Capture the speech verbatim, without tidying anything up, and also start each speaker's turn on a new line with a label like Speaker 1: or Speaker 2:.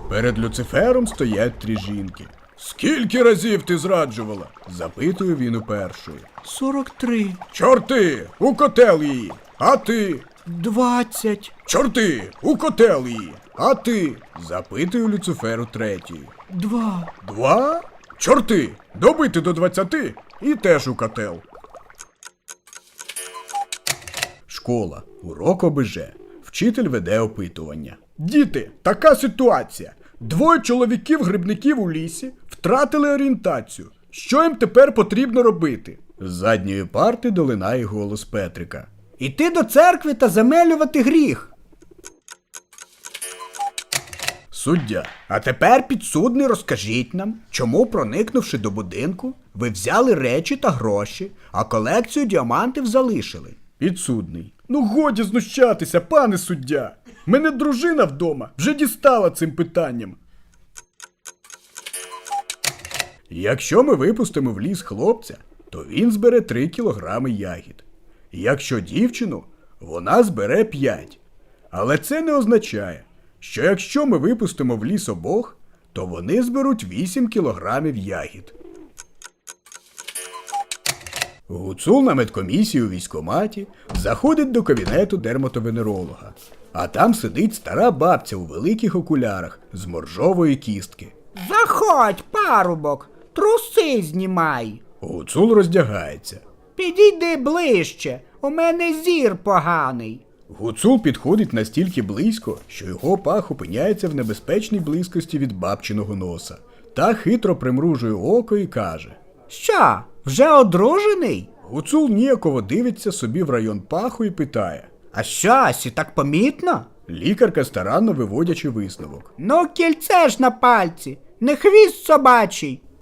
Speaker 1: Перед Люцифером стоять три жінки. «Скільки разів ти зраджувала?» – запитує він у першої.
Speaker 2: Сорок три.
Speaker 1: «Чорти! У котел її! А ти?»
Speaker 2: Двадцять.
Speaker 1: «Чорти! У котел її! А ти?» – запитує Люциферу третьої.
Speaker 2: Два.
Speaker 1: «Два? Чорти! Добити до двадцяти і теж у котел!» Школа. Урок ОБЖ. Вчитель веде опитування. «Діти, така ситуація. Двоє чоловіків-грибників у лісі втратили орієнтацію. Що їм тепер потрібно робити?» З задньої парти долинає голос Петрика.
Speaker 2: Іти до церкви та замелювати гріх.
Speaker 1: Суддя.
Speaker 2: А тепер, підсудний, розкажіть нам, чому, проникнувши до будинку, ви взяли речі та гроші, а колекцію діамантів залишили?
Speaker 1: Підсудний. Ну годі знущатися, пане суддя. Мене дружина вдома вже дістала цим питанням. Якщо ми випустимо в ліс хлопця, то він збере три кілограми ягід. Якщо дівчину, вона збере п'ять. Але це не означає, що якщо ми випустимо в ліс обох, то вони зберуть вісім кілограмів ягід. Гуцул на медкомісії у військкоматі заходить до кабінету дерматовенеролога. А там сидить стара бабця у великих окулярах з моржової кістки.
Speaker 2: Заходь, парубок, труси знімай.
Speaker 1: Гуцул роздягається.
Speaker 2: Підійди ближче, у мене зір поганий.
Speaker 1: Гуцул підходить настільки близько, що його пах опиняється в небезпечній близькості від бабчиного носа. Та хитро примружує око і каже.
Speaker 2: Що, вже одружений?
Speaker 1: Гуцул ніяково дивиться собі в район паху і питає.
Speaker 2: А що, сі так помітно?
Speaker 1: Лікарка старанно виводячи висновок.
Speaker 2: Ну, кільце ж на пальці, не хвіст собачий.